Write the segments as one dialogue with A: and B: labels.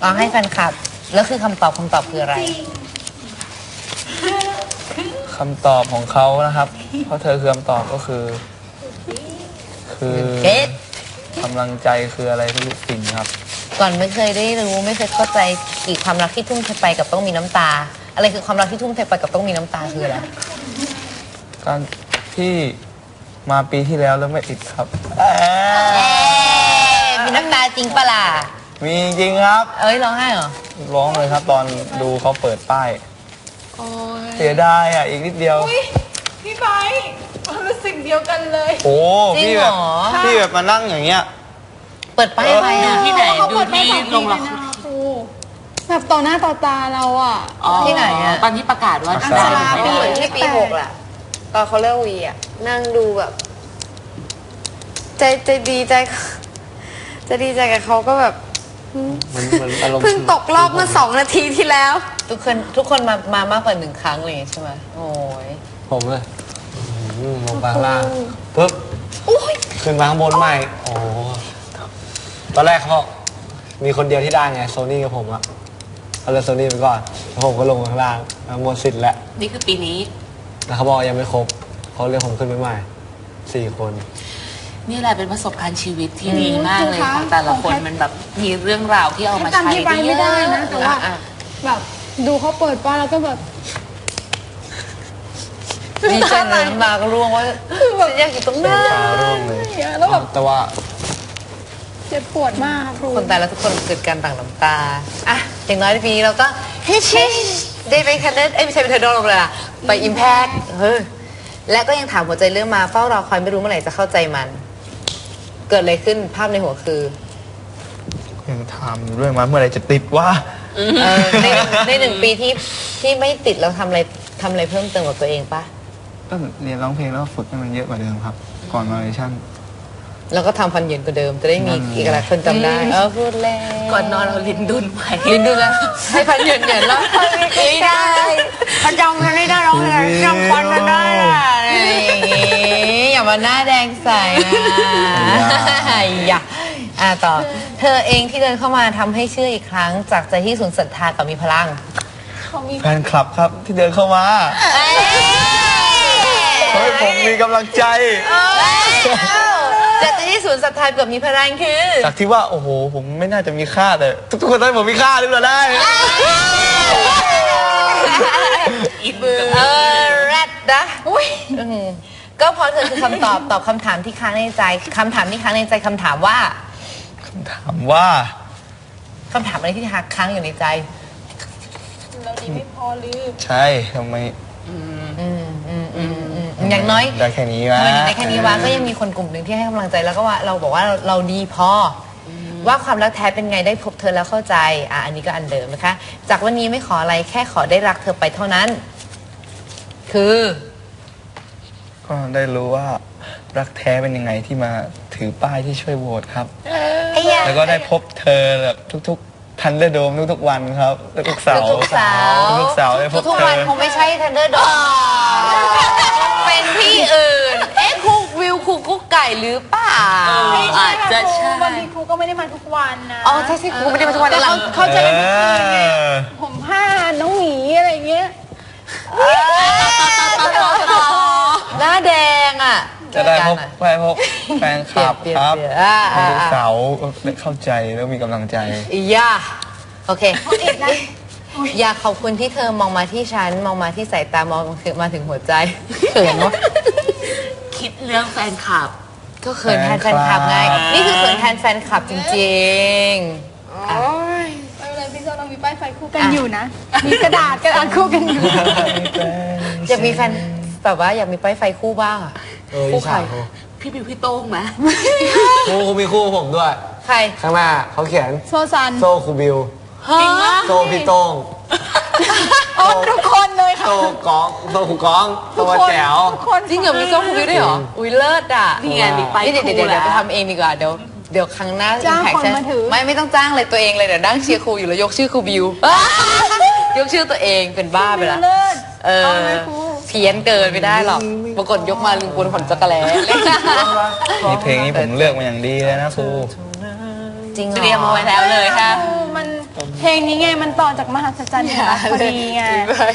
A: ให้แฟนคลับแล้วคือคำตอบคืออะไร
B: คำตอบของเขานะครับเพราะเธอคือคำตอบก็คือกำลังใจคืออะไรทุกสิ่งครับ
A: ก่อนไม่เคยได้รู้ไม่เคยเข้าใจอีกความรักที่ทุ่มเทไปกับต้องมีน้ำตาอะไรคือความรักที่ทุ่มเทไปกับต้องมีน้ำตาคืออะไร
B: การที่มาปีที่แล้วไม่ติดครับ
A: มีน้ำตาจริงปะล่ะ
B: มีจริงครับ
A: ร้องไห้เหรอ
B: ร้องเลยครับตอนดูเขาเปิดป้ายเสียดายอีกนิดเดียว
C: พี่ไบร์ทมันเป็นสิ่งเดียวกันเลย
B: โอ้พี่แบบมานั่งอย่างเงี้ย
A: เปิดป้ายอะไร
D: ที่ไหนดูที่ลงละคร
C: แบบต่อหน้าต่อตาเรา
A: ที่ไหน
D: ตอนที่ประกาศว่า
E: เหมือนที่ปี6แหละตอนเขาเลิกวีนั่งดูแบบใจดีใจกับเขาก็แบบเพิ่งตกรอบเมื่อ2 นาทีที่แล้ว
A: ทุกคนมามากกว่า1 ครั้งเลยใช่ไหมโอ้ย
B: ผมเลยลงไปข้างล่างปุ๊บขึ้นมาข้างบนใหม่โอ้ตอนแรกเขามีคนเดียวที่ได้ไงโซนี่กับผมเอาเลยโซนี่ไปก่อนแล้วผมก็ลงข้างล่างหมดสิทธิ์แล้ว
D: นี่คือปีนี้
B: แล้วเขาบอกยังไม่ครบเขาเรียกผมขึ้นไปใหม่4 คน
D: นี่แหละเป็นประสบการณ์ชีวิตที่ดีมากเลยค่ะแต่ละคนมันแบบมีเรื่องราวที่เอามาใช้ได้เยอะ
C: ไม่ได้นะแต่ว่าแบบดูเขาเปิดป้ายแล้วก็แบบ
A: ดีใจเลยน้ำตาก็ร่วงว่าฉันอยากอยู่ตรงนั้น
C: แล้วแบบ
B: แต่ว่า
C: เจ็บปวดมากครู
A: คนตายแล้วทุกคนเกิดการต่างน้ำตาอย่างน้อยในปีนี้เราก็ได้ไปแคนเดนไม่ใช่ไปเทอร์โดนเลยล่ะไปอิมแพคและก็ยังถามหัวใจเรื่องมาเฝ้ารอคอยไม่รู้เมื่อไหร่จะเข้าใจมันเกิดอะไรขึ้นภาพในหัวคือ
B: ยังถามเรื่องมาเมื่อไหร่จะติดว่า
A: ใน1 ปีที่ไม่ติดเราทำอะไรเพิ่มเติมกับตัวเองปะ
B: ก็เรียนร้องเพลงแล้วฝึกให้มันเยอะกว่าเดิมครับก่อนมาเลชั่น
A: แล้วก็ทำฟันเหยินกว่าเดิมจะได้มีอีกหลายคนจำได้พูดแล้ว
D: ก่อนนอนเราลิ้นดุนไป
A: ลิ้นดุนแล้วให้ฟันเหยินแล้วไม่ได้
E: พจำกันไม่ได้ร้องเลยจำฟันกันได้
A: อย่ามาหน้าแดงใส่อย่าต่อเธอเองที่เดินเข้ามาทำให้เชื่ออีกครั้งจากใจที่สูญศรัทธากับมีพลัง
B: แฟนคลับครับที่เดินเข้ามาเฮ้ยผมมีกำลังใจ
A: จากใจที่สูญศรัทธากับมีพลังคือ
B: จากที่ว่าโอ้โหผมไม่น่าจะมีค่าแต่ทุกคนได้ผมมีค่าหรือเปล่าได้
A: แรดนะก็เพราะเธอคือคำตอบคำถามที่ค้างในใจคำถามว่าคำถามอะไรที่ค้างอยู่ในใจ
C: เราดีไม่พอหรือ
B: ใช่ทำไม
A: อย่างน้อย
B: ได้แค่นี้วะ
A: ได้แค่นี้วะก็ยังมีคนกลุ่มหนึ่งที่ให้กำลังใจแล้วก็ว่าเราบอกว่าเราดีพอว่าความรักแท้เป็นไงได้พบเธอแล้วเข้าใจอันนี้ก็อันเดิมนะคะจากวันนี้ไม่ขออะไรแค่ขอได้รักเธอไปเท่านั้นคือ
B: ก็ได้รู้ว่ารักแท้เป็นยังไงที่มาถือป้ายที่ช่วยโหวตครับแล้วก็ได้พบเธอแบบทุกทันเดอร์โดมทุกวันครับทุกเสาร์ได้พบเธอ
A: ทุกวันคงไม่ใช่ทันเดอร์โดมเป็นที่อื่นคุกวิวคุกกุ๊กไก่หรือเปล่า
D: อาจจะใช่
C: บางทีครูก็ไม่ได้มาทุกวันนะ
A: ใช่ครูไม่ได้มาทุกวัน
C: แต่เขาจะเป็นผมผ้าน้องหมีอะไรเงี้ย
A: หน้าแดง
B: จะได้พบแฟนคลับครับทุกเสาร์ได้เข้าใจแล้วมีกำลังใจ
A: โอเคอยากขอบคุณที่เธอมองมาที่ฉันมองมาที่สายตามองมาถึงหัวใจเขินวะ
D: คิดเรื่องแฟนคลับ
A: ก็เขินแทนแฟนคลับไงนี่คือเขินแทนแฟนคลับจริงๆ
C: ไม่เป็นไรพี่โซเรามีป้ายไฟคู่กันอยู่นะมีกระดาษคู่กันอยู่
A: อยากมีแฟนแบบว่าอยากมีป้ายไฟคู่บ้าง
B: คู่ใคร
D: พี่บิวพี่โต้งไหม
B: ครูมีคู่ผมด้วย
A: ใคร
B: ข้างหน้าเขาเขียน
C: โซซัน
B: โซครูบิว
D: จริงมาก
B: โซพี่โต้ง
C: ทุกคนเลยค่ะ
B: โซก้องโซครูก้องตัวแจ๋ว
A: จริงเหรอมีโซครูบิวด้วยเหรออุ้ยเลิศ
D: นี่ไงดิไป
A: เดี๋ยวไปทำเองดีกว่าเดี๋ยวครั้งหน้า
C: จ้างคนมาถือ
A: ไม่ต้องจ้างเลยตัวเองเลยเดี๋ยวนั่งเชียร์ครูอยู่แล้วยกชื่อครูบิวยกชื่อตัวเองเป็นบ้าไปละเพี้ยนเกินไม่ได้หรอกปรากฏยกมาลืมบนขนจักรแล้
B: นี่เพลงนี้ผมเลือกมาอย่างดีเลยนะครู
A: จริง
D: เตรียมเอาไว้แล้วเลยค่ะ
C: มันเพลงนี้ไงมันต่อจากมหัศจรรย์แห่งรักพอดีไง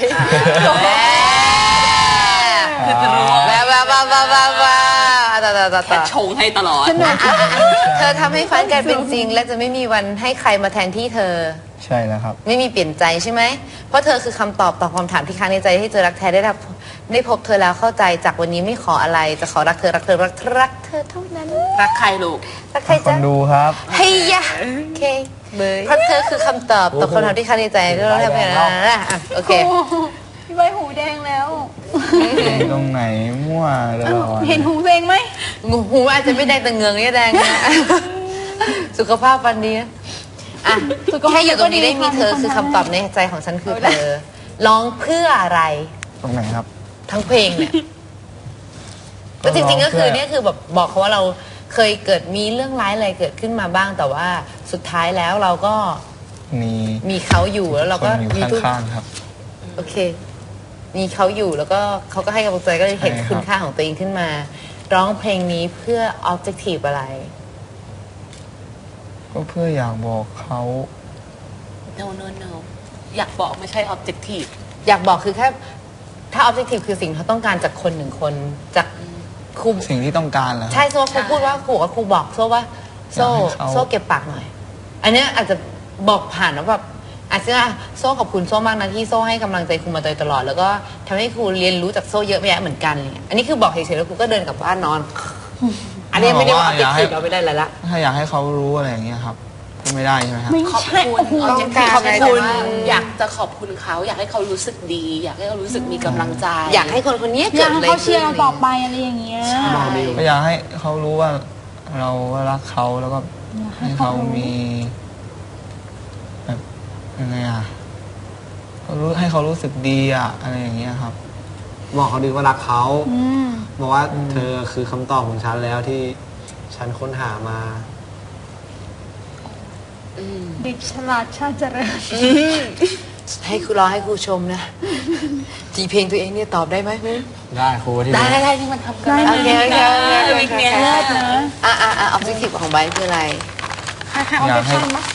D: แค่ชงให้ตลอด
A: เธอทำให้ฝันกลายเป็นจริง และจะไม่มีวันให้ใครมาแทนที่เธอ
B: ใช่แล้วครับ
A: ไม่มีเปลี่ยนใจใช่ไหม เพราะเธอคือคำตอบต่อคำถามที่ค้างในใจให้เจอรักแท้ได้พบเธอแล้วเข้าใจจากวันนี้ไม่ขออะไรจะขอรักเธอรักเธอรักเท่านั้น
D: รักใครลูก
A: รักใคร
B: ค
A: จ๊ะ
B: นดูครับ
A: เฮียโอเคเพราะเธอคือคำตอบต่อคำถามที่ค้างในใจที่เราทำไปนะโอเค
C: พี่ใบหูแดงแล้ว
B: ตรงไหนมั่วตลอด
C: เห็นหูเพลงไหม
A: งูหูอาจจะไม่แดงแต่เงืองนี่แดงนะสุขภาพฟันดีนะอ่ะแค่อยู่ตรงนี้ได้มีเธอคือคำตอบในใจของฉันคือเธอร้องเพื่ออะไร
B: ตรงไหนครับ
A: ทั้งเพลงเนี่ย ก็จริงๆก็คือเนี่ยคือแบบบอกเขาว่าเราเคยเกิดมีเรื่องร้ายอะไรเกิดขึ้นมาบ้าง แต่ว่าสุดท้ายแล้วเราก็
B: มี
A: มีเขาอยู่แล้วเราก็
B: คนอยู่
A: มีทุก
B: ข้างๆครับ
A: โอเค มีเขาอยู่แล้วก็เขาก็ให้กำลังใจก็เลยเห็น
B: ใช่ครับ
A: คุณค่าของตัวเองขึ้นมา ร้องเพลงนี้เพื่อ objective อะไร
B: ก็เพื่ออยากบอกเขา
D: no อยากบอกไม่ใช่ objective
A: อยากบอกคือแค่ถ้า objective คือสิ่งที่เขาต้องการจากคนหนึ่งคนจากครู
B: สิ่งที่ต้องการเหรอครับ
A: ใช่โซ่ครูพูดว่าครูกับครูบอกโซ่ว่าโซ่
B: อยากให้เขา
A: โซ่เก็บปากหน่อย อันเนี้ยอาจจะบอกผ่านว่าแบบอาจจะโซ่ขอบคุณโซ่มากนะที่โซ่ให้กำลังใจครูมาโดยตลอด แล้วก็ทำให้ครูเรียนรู้จากโซ่เยอะแยะเหมือนกันอะไรเงี้ยอันนี้คือบอกเฉยๆแล้วครูก็เดินกลับบ้านนอน อันนี้ไม่ได้ว่า objective เราไม่ได้อะไรละ
B: ถ้าอยากให้เขารู้อะไรอย่างเงี้ยครับก็ไม่ได้ใช่ไหมครับ
C: ไม่
D: ขอบ
C: ใช่
D: คุณ
C: โอ้โห
A: ต้องการ
D: ขอบ
A: อะไร
D: คุณ
A: แต่ว่า
D: อยากจะขอบคุณเขา อยากให้เขารู้สึกดี อยากให้เขารู้สึกมีกำลังใจ
A: อยากให้คนคนนี้
C: อ
A: เกิ
C: ยา
A: ด
C: ก
A: อะไร
C: ให้เขาเชี
A: ขึ้
C: ย
A: น
C: ร์เราต่อไปอะไรอย่างเงี้ย
B: ก็อยากให้เขารู้ว่าเรารักเขาแล้วก็ให้เขามีแบบยังไงอ่ะเขารู้ให้เขารู้สึกดีอ่ะอะไรอย่างเงี้ยครับ
F: บอกเขาดีว่ารักเขา
C: อืม
F: บอกว่าเธอคือคำตอบของฉันแล้วที่ฉันค้นหามา
C: เด็กฉลาดชาติเจริญ
A: ให้ครูรอให้ครูชมนะจีเพลงตัวเองเนี่ยตอบได้ไหม
F: ได้ครูที่
D: ได้ที่มันทำกัน
A: โอเคโอเคโอเคโอ
D: วิก
A: เค
D: เนี้ย
C: เลิศนะ
A: objective ของไบร์ทคืออะไร
C: ใครๆเอาไปทำมั้ย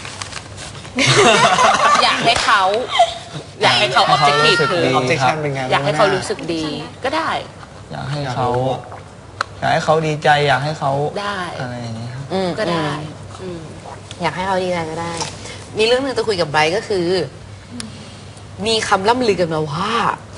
D: อยากให้เขา อยากให้เขา objective คือ
F: objection เป็นไง
D: อยากให้เขารู้สึกดีก็ได้
B: อยากให้เขาอยากให้เขาดีใจ อยากให้เขา
D: ได้
B: อะไรอย่างเงี้ยครับ
D: ก็ได้อืม
A: อยากให้เขาดีใจก็ได้ มีเรื่องหนึ่งจะคุยกับไบร์ทก็คือ มีคำล่ำลือกันมาว่า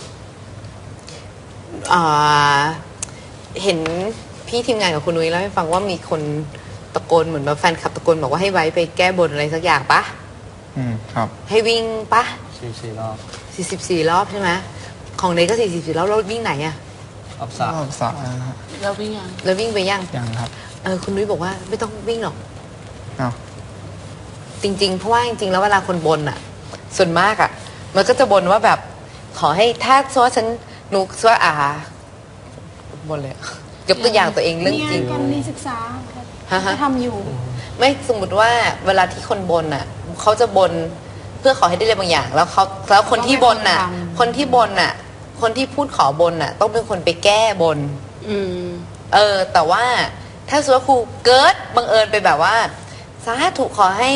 A: เห็นพี่ทีมงานกับคุณนุ้ยเล่าให้ฟังว่ามีคนตะโกนเหมือนแบบแฟนคลับตะโกนบอกว่าให้ไบร์ทไปแก้บนอะไรสักอย่างปะ
B: ครับ
A: ให้วิ่งปะ
F: 4 รอบ
A: 44 รอบใช่ไหมของเนยก็44รอบแล้ววิ่งไหนอะ
F: รอบ
B: ร
F: สาม
B: อบสระนะฮะ
D: แล้ววิ่งยัง
A: แล้ววิ่งไปยัง
B: ยังครับ
A: คุณนุ้ยบอกว่าไม่ต้องวิ่งหรอก
B: อ้าว
A: จริงๆ เพราะว่าจริงๆ แล้วเวลาคนบนอ่ะ ส่วนมากอ่ะ มันก็จะบนว่าแบบ ขอให้ถ้าซัวฉันหนูซัวบนเลยอะยกตัวอย่างตัวเองเรื่อง
C: มี
A: จริ
C: งาง นการมีศึกษา
A: ฮะ
C: จะทำอยู่
A: ไม่สมมติว่าเวลาที่คนบนอ่ะเขาจะบนเพื่อขอให้ได้อะไรบางอย่าง แล้วคนที่บนอ่ะ คนที่บนอ่ะ คนที่พูดขอบนอ่ะ ต้องเป็นคนไปแก้บน
D: อืม
A: แต่ว่าถ้าสมมติว่าครูเกิดบังเอิญไปแบบว่าสาธุขอให้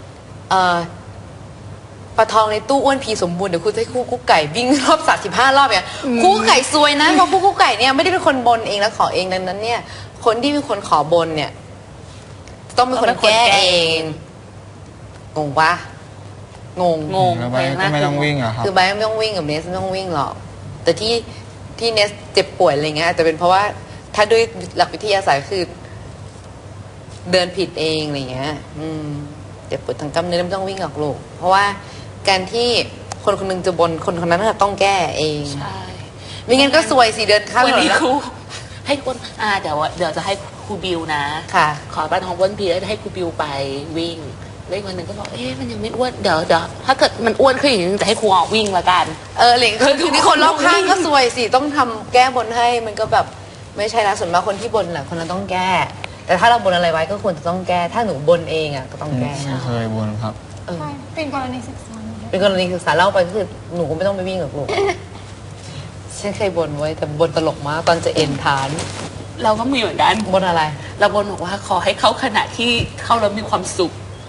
A: ปลาทองในตู้อ้วนพีสมบูรณ์เดี๋ยวครูจะให้ครูกุ๊กไก่วิ่งรอบ35 รอบเนี่ยครูกุ๊กไก่ซวยนะเพราะครูกุ๊กไก่เนี่ยไม่ได้เป็นคนบนเองแล้วขอเองดังนั้นเนี่ย คนที่เป็นคนขอบนเนี่ย ต้องเป็นคนแก้เองงงปะงง
D: งง
B: แล้วไปก็ไม่ต้องวิ่งเหรอครับ
A: คือไบร์ทไม่ต้องวิ่งกับเนสไม่ต้องวิ่งหรอก แต่ที่เนสเจ็บป่วยอะไรเงี้ยอาจจะเป็นเพราะว่าถ้าด้วยหลักวิทยาศาสตร์คือ เดินผิดเองอะไรเงี้ยเจ็บปวดทางกล้ามเนื้อไม่ต้องวิ่งหรอกลูกเพราะว่าการที่คนคนหนึงจะบนคนคนนั้นต้องแก้เอง
D: ใช่
A: ไม่งั้นก็ซวยสิเดินข้าม
D: วัน
A: ถนน
D: นี้
A: แล้ว
D: ครูให้คนเดี๋ยวจะให้ครูบิวนะ
A: ค่ะ
D: ขอปลาทองอ้วนพีแล้วให้ครูบิวไปวิ่งแล้วอีกวันหนึ่งก็บอกมันยังไม่อ้วนเดี๋ยวถ้าเกิดมันอ้วนขึ้นอีกนิดนึงจะให้ครูออกวิ่งละกัน
A: เหล็กคือทีนี้คนรอบข้างก็ซวยสิต้องทำแก้บนให้มันก็แบบไม่ใช่นะส่วนมากคนที่บนแหละคนนั้นต้องแก้ แต่ถ้าเราบนอะไรไว้ก็ควรจะต้องแก้ ถ้าหนูบนเองก็ต้องแก้
B: ไม่เคยบนครับ
C: ใช่ เป็นกรณีศึกษา
A: เป็นกรณีศึกษาเล่าไปก็คือหนูก็ไม่ต้องไปวิ่งกับลูก ฉันเคยบนไว้แต่บนตลกมากตอนจะเอ็นฐาน
D: เราก็มีเหมือนกัน
A: บนอะไร
D: เราบนบอกว่าขอให้เข้าขณะที่เข้าแล้วมีความสุข
A: อ๋อ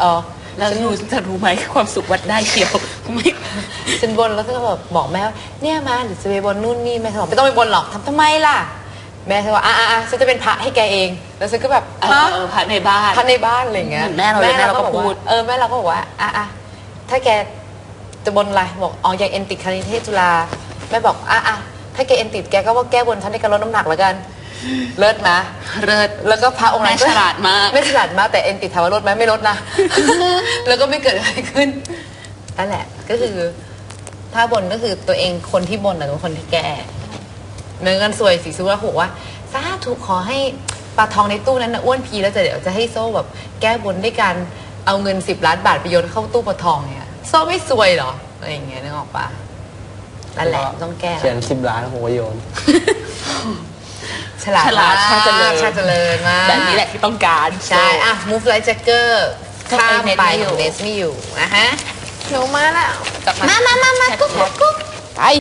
D: แล้วจะรู้ไหมความสุขวัดได้เชียวไม่
A: ฉันบนแล้วก็แบบบอกแม่ว่าเนี่ยมาเดี๋ยวจะไปบนนู่นนี่แม่บอกไม่ต้องไปบนหรอกทำไมล่ะแม่ฉันว่าฉันจะเป็นพระให้แกเองแล้วฉันก็แบบ
D: พระในบ้าน
A: พระในบ้านอะไรเงี้ย
D: เหมือนแม่เราเลยแม่เราก็พูด
A: แม่เราก็บอกว่าถ้าแกจะบนอะไรบอกอยากเอ็นติดคณิตเทศจุฬาแม่บอกถ้าแกเอ็นติดแกก็ว่าแก้บนฉันในการลดน้ำหนักแล้วกันเลิศนะ
D: เลิศ
A: แล้วก็พระองค์นั้น
D: แม่ฉลาดมาก
A: ไม่ฉลาดมากแต่เอ็นติดถามว่าลดไหมไม่ลดนะ แล้วก็ไม่เกิดอะไรขึ้นนั่นแหละก็คือถ้าบนก็คือตัวเองคนที่บนเป็นคนที่แก้เหมือนกันสวยสีสุราบอกว่าสาธุขอให้ปลาทองในตู้นั้นนะอ้วนพีแล้วเดี๋ยวจะให้โซ่แบบแก้บนด้วยการเอาเงิน10 ล้านบาทไปโยนเข้าตู้ปลาทองเนี่ยโซ่ไม่สวยเหรออะไรอย่างเงี้ยนึกออกปะนั่นแหละต้องแก้
F: เขียน10 ล้านผมก็โยน
A: ฉลาด
D: ฉลาดชาติเจริญ
A: ชาติเจริญมาก
D: แบบนี้แหละที่ต้องการ
A: ใช่move like Jagger ข้ามไป
D: เน็ตไม่อยู่
A: เนสไม่อยู่นะฮะ
E: หนูมาแล้ว
D: กลับมา
E: มากุ๊ก